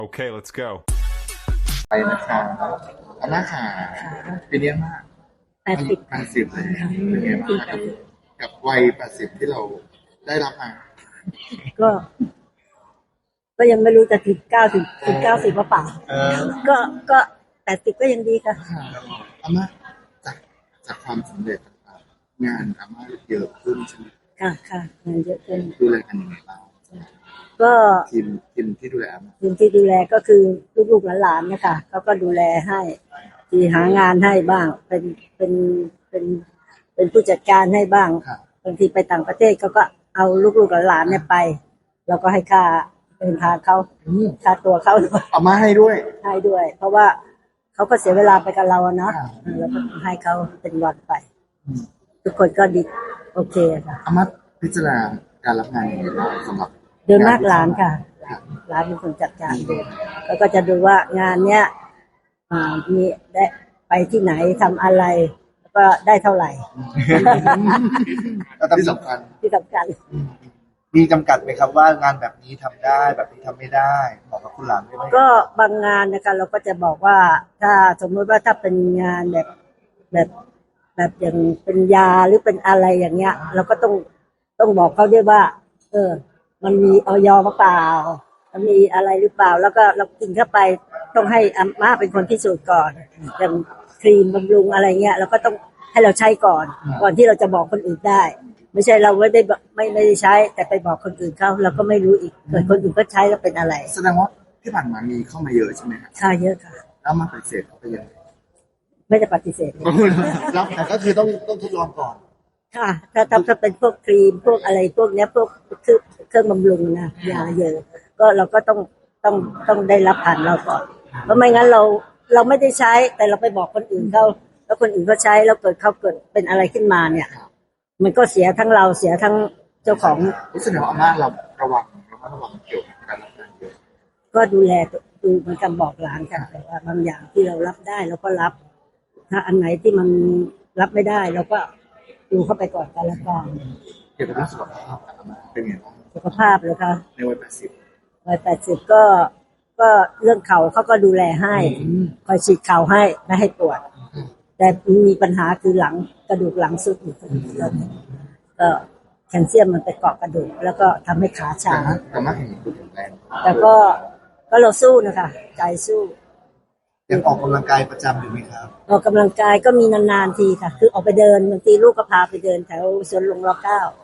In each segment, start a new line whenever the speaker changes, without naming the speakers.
Okay, let's go.
ไปนะคะอาม่าค่ะปีนี้มาก
80
80เลยเป็นไงบ้างครับกับวัย80ที่เราได้รับมา
ก็ก็ยังไม่รู้จะถึง90ว่าเปล่าก็80ก็ยังดีค่ะ
อาม่าจากความสำเร็จต่างๆงานอาม่าเยอะขึ้นใช่ไหม
ค่ะเงินเยอะขึ้น
ดูแลกันยังไงบ้าง
ก็
ทีมที่ดูแลอาม่า
ทีมที่ดูแลก็คือลูกๆหลานๆเนี่ยค่ะเขาก็ดูแลให้ที่หางานให้บ้างเป็นผู้จัดการให้บ้าง
ค่ะ
บางทีไปต่างประเทศเขาก็เอาลูกๆหลานๆเนี่ยไปเราก็ให้ค่าเดินทางเขาค่าตัวเขา
อาม่าให้ด้วย
ให้ด้วย เพราะว่าเขาก็เสียเวลาไปกับเราอะเนาะ
ค่ะ
แล้วก็ให้เขาเป็นวันไป ทุกคนก็ดีโอเคค่ะ
อาม่าพิจารณาการรับงานยังไงบ้างสำหรับ
โดยมากหลานค่ะหลานเป็นคนจัดการดูแล้วก็จะดูว่างานเนี้ยมีได้ไปที่ไหนทำอะไร แล้วก็ได้เท่าไหร่
ที่สำคัญ
ที่สำคัญ
มีจำกัดไหมครับว่างานแบบนี้ทำได้แบบนี้ทำไม่ได้บอกกับคุณหลานได้ไหม
ก็บางงานนะคะเราก็จะบอกว่าถ้าสมมติว่าถ้าเป็นงานแบบอย่างเป็นยาหรือเป็นอะไรอย่างเงี้ย เราก็ต้องบอกเขาด้วยว่า มันมีออยหรือเปล่ามันมีอะไรหรือเปล่า แล้วก็เรากินเข้าไปต้องให้อาม่าเป็นคนพิสูจน์ก่อนอย่างครีมบำรุงอะไรเงี้ยเราก็ต้องให้เราใช้ก่อนที่เราจะบอกคนอื่นได้ ไม่ใช่เราไม่ได้ใช้ แต่ไปบอกคนอื่นเขาเราก็ไม่รู้อีกเกิดคนอื่นก็ใช้แล้วเป็นอะไร
แสดงว่าที่ผ่านมามีเข้ามาเยอะใช่ไหมครับ
ค่าเยอะค่ะ
แล้วมาปฏิเสธเขาไปยังไง
ไม่ได้ปฏิเสธเลย
รับ
แต่ก็คือต้องทดลองก่อน
ค่ะถ้าเป็นพวกครีมพวกอะไรพวกเนี้ยพวกเครื่องบำรุงนะยาเยอะก็เราก็ต้องได้รับผ่านเราก่อนเพราะไม่งั้นเราไม่ได้ใช้แต่เราไปบอกคนอื่นเขาแล้วคนอื่นเขาใช้แล้วเกิดเป็นอะไรขึ้นมาเนี่ย มันก็เสียทั้งเราเสียทั้งเจ้าของ
รู้สึกว่าอาม่าเราระวังเกี่ยวกับการรับงานเยอะ
ก็ดูแลดูเหมือนกันบอกหลานกันแต่ว่าบางอย่างที่เรารับได้เราก็รับ ถ้าอันไหนที่มันรับไม่ได้เราก็ดูเข้าไปก่อนกันละกัน
เกี่ยวกับเรื่องสุขภาพของอาม่าเป็นไงบ้าง
สุขภาพเลยค่ะ
ในวัย
180ก็เรื่องเข่าเขาก็ดูแลให้คอยฉีดเข่าให้ไม่ให้ปวด แต่มีปัญหาคือหลังกระดูกหลังสุดอยู่ก็แคลเซียมมันไปเกาะกระดูกแล้วก็ทำให้ขาชา
อาม่าเห็นดูแข็งแรง
แต่ก็เราสู้นะคะใจสู้
ยังออกกำลังกายประจำอยู่ไหมครับ
ออกกำลังกายก็มีนานๆทีค่ะ คือออกไปเดินบางทีลูกก็พาไปเดินแถวสวนหลวงร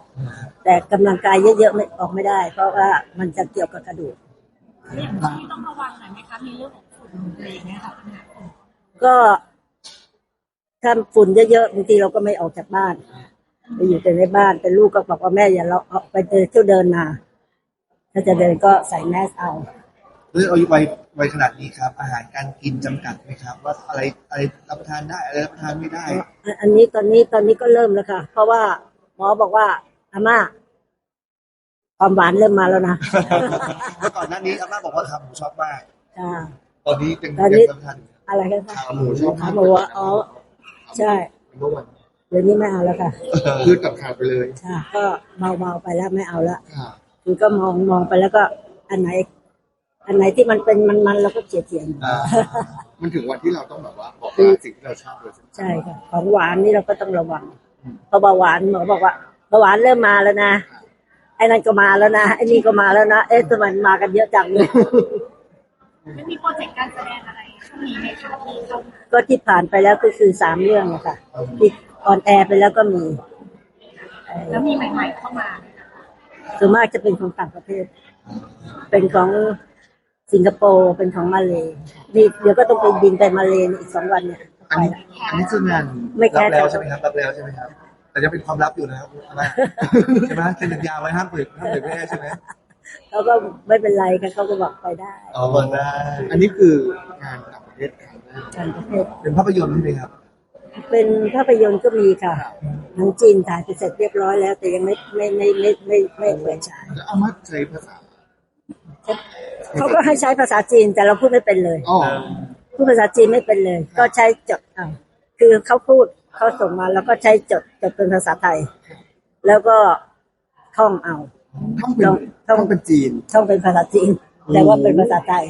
.9แต่กำลังกายเยอะๆไม่ออกไม่ได้ เพราะว่ามันจะเกี่ยวกับกระดูก
อย่างที่ต้องระวังหน่อยไหมคะมีเรื่องของฝุ่นอะไรอย่างเงี้ยค่ะปัญหาฝุ่น
ก็ถ้าฝุ่นเยอะๆบางทีเราก็ไม่ออกจากบ้านไปอยู่แต่ในบ้านแต่ลูกก็บอกว่าแม่อย่าเราออกไปเดินมาถ้าจะเดินก็ใส่แมสเอา
ด้วยอายุวัยขนาดนี้ครับ อาหารการกินจำกัดไหมครับ ว่าอะไรรับประทานได้อะไรรับประทานไม่ได้
อันนี้ตอนนี้ก็เริ่มแล้วค่ะ เพราะว่าหมอบอกว่าอาม่าความหวานเริ่มมาแล้วนะ
เมื่อก่อนหน้านี้อาม่าบอกว่าขาหมูชอบมาก
ค่ะ
ตอนนี้ยัง
ตอนนี้
รับประทานอยู่
อะไรกันคะ
ขาหมูชอบ
ขาหมูอ๋อใช่
เมื่อวัน
เดี๋ยวนี้ไม่เอาแล้วค่ะ
พืชกับขาดไปเลย
ค่ะก็เบาๆไปแล้วไม่เอาละ
ค่ะ
คือก็มองไปแล้วก็อันไหนที่มันเป็นมันเราก็เฉียด
อ่า
มันถึงวันที่เราต้องแบบว่าบอกลาสิ่งที่เราชอบเลยใช่ไหม
ใช่ค่ะของหวานนี่เราก็ต้องระวังเพราะเบาหวานหมอบอกว่าเบาหวานเริ่มมาแล้วนะไอ้นั่นก็มาแล้วนะไอ้นี่ก็มาแล้วนะเอ๊ะทำไมมันมากันเยอะจังเลย
ไม่มีโปรเจกต์การแสดงอะไรช่วงนี้ไหมคะมีเข้ามา
ก็ที่ผ่านไปแล้วก็คือ3เรื่องนะคะที่ออนแอร์ไปแล้วก็มี
แล้วมีใหม่ๆเข้ามา
ส่วนมากจะเป็นของต่างประเทศ เป็นของสิงคโปร์เป็นของมาเลย์นี่เดี๋ยวก็ต้องไปบินไปมาเลย์อีก2 วันเนี่ย
อัน
ไป
นี้
ละ
อันนี้คืองาน
ไม่
รั
แค่
บแล้วใช่ไหมครับรับแล้วใช่ไหมครับ แต่ยังเป็นความลับอยู่นะครับอาม่าใช่ไหมเซ็นสัญญาไว้ห้ามเผยแพร่ใช่ไหม
เขาก็ไม่เป็นไรค่ะเขาก็บอกไปได้
อ๋อเปิดได้
อันนี้คืองานต่างประเทศครั้งแรก
ต่างประเทศ
เป็นภาพยนตร์ใช่ไหมครับ
เป็นภาพยนตร์ก็มีค่ะหนังจีนถ่ายไปเสร็จเรียบร้อยแล้ว แต่ยังไม่เปิดฉาย
แล้วอาม่าใช้ภาษา
เขาก็ให้ใช้ภาษาจีนแต่เราพูดไม่เป็นเลย
อ๋อ
พูดภาษาจีนไม่เป็นเลย ก็ใช้จดเอาคือเขาพูดเขาส่งมาแล้วก็ใช้จดเป็นภาษาไทย แล้วก็ท่องเอา
ต้องเป็นจีน
ท่องเป็นภาษาจีน แต่ว่าเป็นภาษาไทย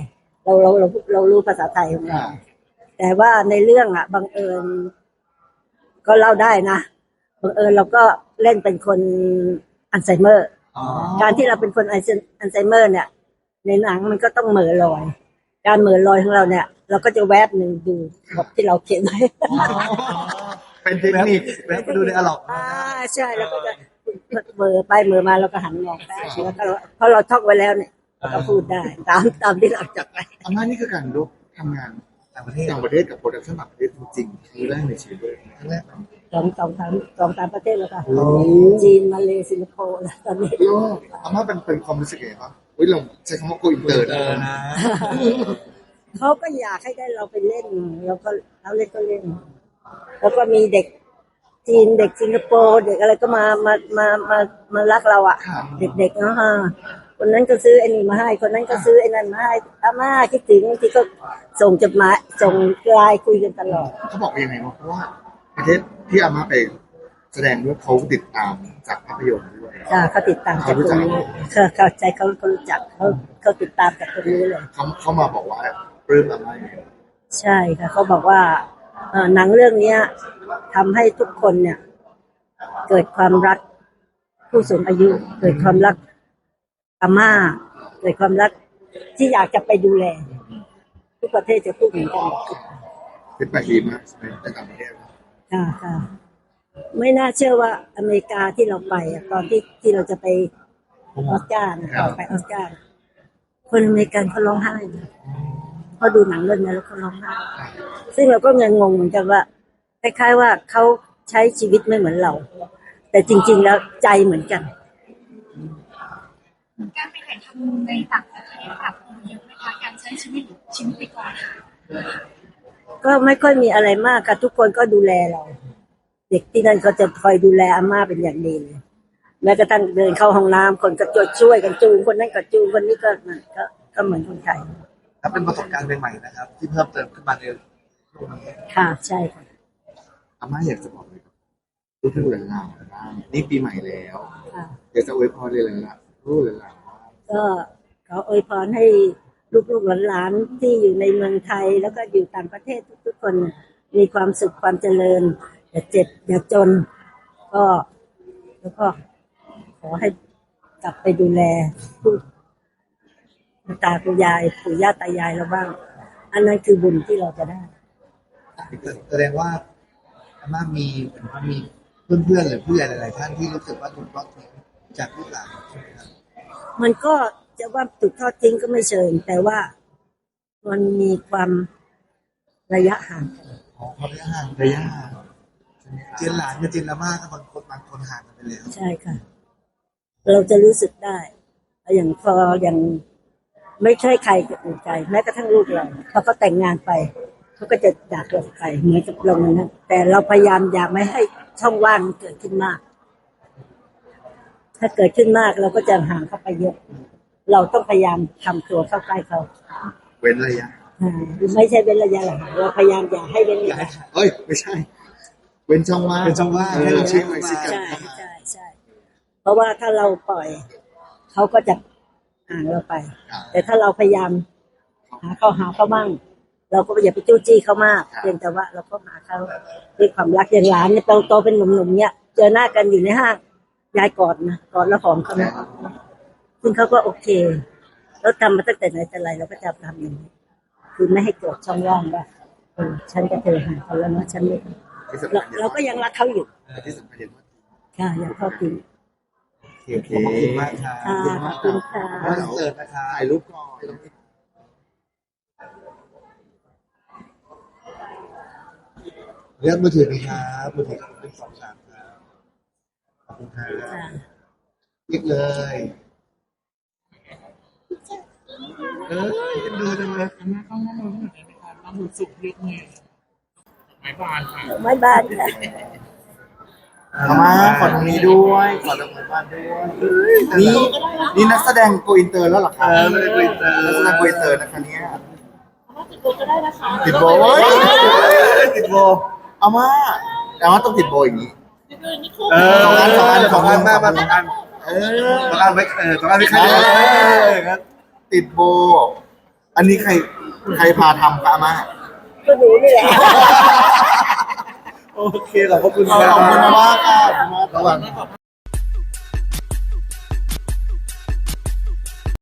เรารู้ภาษาไทยของเราแต่ว่าในเรื่องอ่ะบังเอิญก็เล่าได้นะบังเอิญเราก็เล่นเป็นคนอัลไซเมอร์
อ๋อ
การที่เราเป็นคนอัลไซเมอร์เนี่ยในหนังมันก็ต้องเหม่อลอยการเหม่อลอยของเราเนี่ยเราก็จะแวบหนึ่งดูบทที่เราเขียนไว้
เป็นเทคนิค
แวะไปดูในอะล็อก
ใช่แล้วก็จะเหม่อไปเหม่อมาเราก็หันมองไปแล้วก็เพราะเราท่องไว้แล้วเนี่ยเราก็พูดได้ตามที่เราจดไว้
อาม่านี่คือการลุกทำงาน
ต่างประเทศ
ต่างประเทศกับโปรดักชั่นต่างประเทศจริงๆครั้งแรกในชีวิตเลย
ครั้งแรกเนาะ
สองสามประเทศแล้วค่ะจีนมาเลสิงคโปร์แล้วตอนนี้
โลกอาม่าเป็นความรู้สึกไงบ้างเฮ้ยเราใช้คำว่าโกอินเตอร์นะ
นะ
เขาก็อยากให้ได้เราไปเล่นเราเล่นก็เล่น แล้วก็มีเด็กจีนเด็กสิงคโปร์เด็กอะไรก็มารักเราอ่ะ
ค่ะ
เด็กๆเนาะฮะคนนั้นก็ซื้อไอ้นี่มาให้คนนั้นก็ซื้อไอ้นั่นมาให้อาม่าคิดถึงบางทีก็ส่งจดหมายส่งไลน์คุยกันตลอด
เขาบอกยังไงวะเพราะว่าประเทศที่อาม่าไปแสดงด้วยเขาติดตามจากภาพยนตร์ด้วย
ค่ะเขาติดตามจากคนนี้เขาใจเขารู้จักเขาติดตามจากคนนี้เลย
เขามาบอกว่าปลื้มอาม่ายังไง
ใช่ค่ะเขาบอกว่าหนังเรื่องเนี้ยทำให้ทุกคนเนี่ย เกิดความรักผู้สูงอายุ เกิดความรักอาม่า เกิดความรักที่อยากจะไปดูแล ทุกประเทศจะพูดเหมือนกันหมด
เป็นไปดีมากในต่างประเทศ
ค่ะไม่น่าเชื่อว่าอเมริกาที่เราไปอะตอนที่เราจะไปออสการ์นะไปออสการ์คนอเมริกันเขาร้องไห้นะเขาดูหนังเรื่องนี้แล้วเขาร้องไห้ซึ่งเราก็งงเหมือนกันว่าคล้ายๆว่าเขาใช้ชีวิตไม่เหมือนเรา แต่จริงๆแล้วใจเหมือนกัน
การไปถ่ายทำในต่างประเทศกับเยอะไหมคะการใช้ชีวิตในกองถ่าย
ก็ไม่ค่อยมีอะไรมากค่ะทุกคนก็ดูแลเรา เด็กที่นั่นก็จะคอยดูแลอาม่าเป็นอย่างดีเลยแม้กระทั่งเดินเข้าห้องน้ำคนก็ช่วยกันจูงคนนั้นก็จูงคนนี้ก็เหมือนคนไทย
ถ้าเป็นประสบการณ์ใหม่ๆนะครับ ที่เพิ่มเติมขึ้นมาในช่วงนี้
ค่ะใช่ค่ะ
อาม่าอยากจะบอกเลยครับลูกๆหลานๆบ้างนี่ปีใหม่แล้ว
ค่ะ
อยากจะอวยพรเลยหลานๆลูกหลานๆว่า
ก็ขออวยพรให้ลูกๆหลานๆที่อยู่ในเมืองไทย แล้วก็อยู่ต่างประเทศทุกๆคนมีความสุขความเจริญอย่าเจ็บอย่าจนก็แล้วก็ขอให้กลับไปดูแลผู้ตาคุณยายปู่ย่าตายายเราบ้าง อันนั้นคือบุญที่เราจะได้
แสดงว่าอาม่ามีเพื่อนๆหรือผู้ใหญ่หลายๆท่านที่รู้สึกว่าถูกทอดทิ้งจากลูกหลานใช่ไหมครับ
มันก็จะว่าถูกทอดทิ้งก็ไม่เชิงแต่ว่ามันมีความระยะห่างกัน
อ๋อความระยะห่าง
ระยะห่าง
เจนหลานกับเจนอาม่าก็บางคนห่างกันไปแล้ว
ใช่ค่ะ เราจะรู้สึกได้อย่างพออย่างไม่ใช่ใครจะอุ่นใจแม้กระทั่งลูกเราเขาก็แต่งงานไปเขาก็จะจากเราไปเหมือนกับเราเหมือนกันแต่เราพยายามอย่าไม่ให้ช่องว่างเกิดขึ้นมาก ถ้าเกิดขึ้นมากเราก็จะห่างเข้าไปเยอะ เราต้องพยายามทำตัวเข้าใกล้เขา
เว้นระยะ
ไม่ใช่เป็นระยะหลังเราพยายามอย่าให้เป็นระยะ
เอ้ยไม่ใช่ เว้นช่องว่าง
เป็นช่องว่าง
ให้เราชิดไปชิดกัน
ใช่ใช่เพราะว่าถ้าเราปล่อยเขาก็จะห่างเราไป แต่ถ้าเราพยายามหาเขาบ้างเราก็อย่าไปจู้จี้เขามากเพียงแต่ว่าเราก็หาเขาด้วยความรักอย่างหลานเนี่ยโตเป็นหนุ่มๆเนี่ยเจอหน้ากันอยู่ในห้างยายกอดนะกอดแล้วหอมเขานะซึ่งเขาก็โอเคแล้วทำมาตั้งแต่ไหนแต่ไรเราก็จะทำอย่างนี้คือไม่ให้เกิดช่องว่างว่าฉันกับเธอห่างกันแล้วนะฉันไม่
ที่สำคัญ
เราก็ยังรักเขาอยู่
ที่สำคัญอย่างว่า
ค่ะยังทอดทิ้ง
โอเค
ขอบคุณมากครับ
ค่ะขอบคุณค่ะ
คอนเสิร์ตนะครับ
ถ่ายรูปก่อน
เลือกมือถือไหมครับมือถือเป็น2-3ครับขอบคุณครับ
ค่ะ
เรียกเลยดูจังเลย
ไม้บ้านค่ะ
อาม่าขอตรงนี้ด้วยขอตรงนี้บ้านด้วยนี่นักแสดงโกอินเตอร์แล้วเหรอครับ
ไม่ได้คุยเตอ
นักแสดงโกอินเตอร์นะคะเนี่ย
ติดโบก็ได้นะคะ
ติดโบติดโบอาม่าต้องติดโบอย่างนี้
นี่คู่
สองอัน
สองอันมา2 อัน
เออ
2 อันไว้2 อันไว้ใครครับ
ติดโบ อันนี้ใครใครพาทำคะอาม่า
ก็หนูนี่แหละ
โอเคขอบคุณมากค่ะขอบคุณมาก
ระหว่าง